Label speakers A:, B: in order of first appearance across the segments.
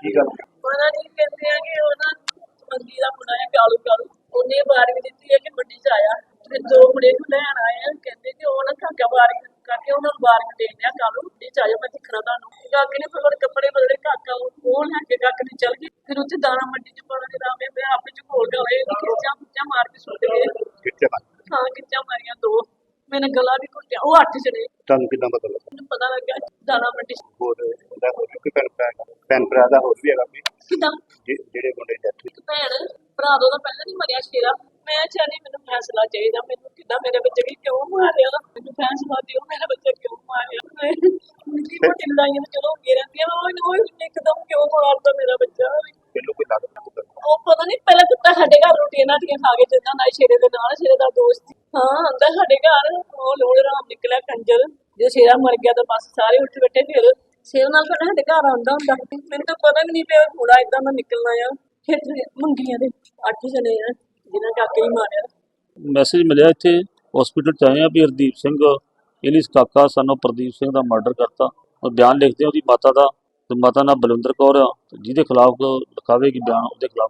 A: ਕੀ ਗੱਲ
B: ਪਤਾ ਨਹੀਂ ਕਹਿੰਦੇ ਆ ਕਿ ਉਹ ਨਾ ਮੰਦੀ ਦਾ ਮੁੰਡਾ ਹੈ ਕਾਲੂ ਕਾਲੂ ਉਹਨੇ ਵਾਰੀ ਦਿੱਤੀ ਹੈ ਕਿ ਮੰਡੀ ਚ ਆਇਆ ਤੇ ਦੋ ਮੁੰਡੇ ਨੂੰ ਲੈਣ ਆਏ ਆ ਕਹਿੰਦੇ ਕਿ ਉਹ ਨਾ ਕਾਕਾ ਵਾਰੀ ਕਰਕੇ ਉਹਨਾਂ ਨੂੰ ਵਾਰੀ ਦੇ ਦਿਆ ਕਾਲੂ ਮੰਡੀ ਚ ਆਇਓ ਮੈਂ ਦਿਖਣਾ ਤੁਹਾਨੂੰ ਕਾਕੇ ਨੇ ਫਿਰ ਕੱਪੜੇ ਬਦਲੇ ਕਾਕਾ ਉਹ ਲੈ ਕੇ ਕਾਕੇ ਨੇ ਚੱਲ ਗਈ ਫਿਰ ਉੱਥੇ ਦਾਣਾ ਮੰਡੀ ਚ ਪਾਉਣਾ ਦੇ ਰਾਮੇ ਮੈਂ ਆਪੇ ਚ ਕੋਲ ਗਏ ਖਿੱਚਾਂ ਮਾਰ ਕੇ ਸੁੱਟ ਗਏ
A: ਕਿੱਥੇ ਮਾਰ
B: ਹਾਂ ਖਿੱਚਾਂ ਮਾਰੀਆਂ ਦੋ ਮੈਨੇ ਗਲਾ ਵੀ ਘੁੱਟਿਆ ਉਹ 8 ਜਣੇ
A: ਤੁਹਾਨੂੰ ਕਿੰਨਾ ਪਤਾ ਲੱਗਾ
B: ਮੈਨੂੰ ਪਤਾ ਲੱਗਾ ਦਾਣਾ ਮੰਡੀ ਚ
A: ਹੋਰ ਇਹਦਾ ਹੋਰ ਵੀ ਕੋਈ ਭੈਣ ਭਰਾ ਦਾ ਹੋਰ ਵੀ ਹੈਗਾ ਵੀ
B: ਕਿਦਾਂ
A: ਜਿਹੜੇ ਮੁੰਡੇ ਦੀ death ਹੋਈ?
B: ਇੱਕ ਭੈਣ ਭਰਾ ਦਾ ਪਹਿਲਾਂ ਨਹੀਂ ਮਰਿਆ ਸ਼ੇਰਾ ਮੈਂ ਚਾਹਨੀ ਮੈਨੂੰ ਫੈਸਲਾ ਚਾਹੀਦਾ ਮੈਨੂੰ ਕਿਦਾਂ ਮੇਰੇ ਬੱਚੇ ਵੀ ਕਿਉਂ ਮਾਰਿਆ ਮੈਨੂੰ ਫੈਸਲਾ ਦਿਓ ਮੇਰਾ ਬੱਚਾ ਕਿਉਂ ਮਾਰਿਆ ਨਿੱਕੀ ਮੋਟੀ ਲੜਾਈਆਂ ਤਾਂ ਚਲੋ ਹੁੰਦੀਆਂ ਰਹਿੰਦੀਆਂ ਉਹ ਇੱਕਦਮ ਕਿਉਂ ਮਾਰਦਾ ਮੇਰਾ ਬੱਚਾ
A: ਮੈਨੂੰ ਕੋਈ ਲੱਗਦਾ
B: ਉਹ ਪਤਾ ਨਹੀਂ ਪਹਿਲਾਂ ਕੁੱਤਾ ਸਾਡੇ ਘਰ ਰੋਟੀਆਂ ਨਾਟੀਆਂ ਖਾ ਕੇ ਜਾਂਦਾ ਹੁੰਦਾ ਸ਼ੇਰੇ ਦੇ ਨਾਲ ਸ਼ੇਰੇ ਦਾ ਦੋਸਤ ਹਾਂ ਆਂਦਾ ਸਾਡੇ ਘਰ ਉਹ ਲੋੜ ਰਾਮ ਨਿਕਲਿਆ ਕੰਜਰ ਜੇ ਸ਼ੇਰਾ ਮਰ ਗਿਆ ਤਾਂ ਬਸ ਸਾਰੇ ਉੱਠ ਬੈਠੇ ਫਿਰ ਸ਼ੇਰ ਨਾਲ ਫਿਰ ਸਾਡੇ ਘਰ ਆਉਂਦਾ ਹੁੰਦਾ ਮੈਨੂੰ ਤਾਂ ਪਤਾ ਵੀ ਨਹੀਂ ਪਿਆ ਥੋੜਾ ਏਦਾਂ ਦਾ ਨਿਕਲਣਾ ਆ ਫਿਰ ਮੰਗੀਆਂ ਦੇ 8 ਜਣੇ ਆ ਜਿਨ੍ਹਾਂ ਕਾਕੇ ਹੀ ਮਾਰਿਆ
C: ਮੈਸੇਜ ਮਿਲਿਆ ਇੱਥੇ ਹਸਪੀਟਲ ਚ ਆਏ ਆ ਵੀ ਹਰਦੀਪ ਸਿੰਘ ਇਹਲੀਸ ਕਾਕਾ ਸਾਨੂੰ ਪ੍ਰਦੀਪ ਸਿੰਘ ਦਾ ਮਰਡਰ ਕਰਤਾ ਉਹ ਬਿਆਨ ਲਿਖਦੇ ਉਹਦੀ ਮਾਤਾ ਦਾ ਤੇ ਮਾਤਾ ਨਾਲ ਬਲਵਿੰਦਰ ਕੌਰ ਆ ਜਿਹਦੇ ਖਿਲਾਫ ਲਿਖਾਵੇਗੀ ਬਿਆਨ ਉਹਦੇ ਖਿਲਾਫ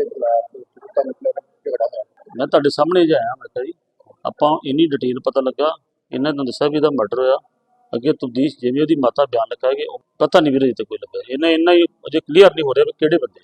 A: ਝਗੜਾ ਹੋਇਆ
C: ਮੈਂ ਤੁਹਾਡੇ ਸਾਹਮਣੇ ਜਾਇਆ ਮੈਂ ਕਿਹਾ ਜੀ ਆਪਾਂ ਇੰਨੀ ਡਿਟੇਲ ਪਤਾ ਲੱਗਾ ਇਹਨਾਂ ਨੂੰ ਦੱਸਿਆ ਵੀ ਇਹਦਾ ਮਰਡਰ ਹੋਇਆ ਅੱਗੇ ਤਬਦੀਸ਼ ਜਿਵੇਂ ਉਹਦੀ ਮਾਤਾ ਬਿਆਨ ਲਿਖਾਏਗੀ ਉਹ ਪਤਾ ਨਹੀਂ ਵੀਰੇ ਤੇ ਕੋਈ ਲੱਗਾ ਇਹਨਾਂ ਹੀ ਅਜੇ ਕਲੀਅਰ ਨਹੀਂ ਹੋ ਰਿਹਾ ਵੀ ਕਿਹੜੇ ਬੰਦੇ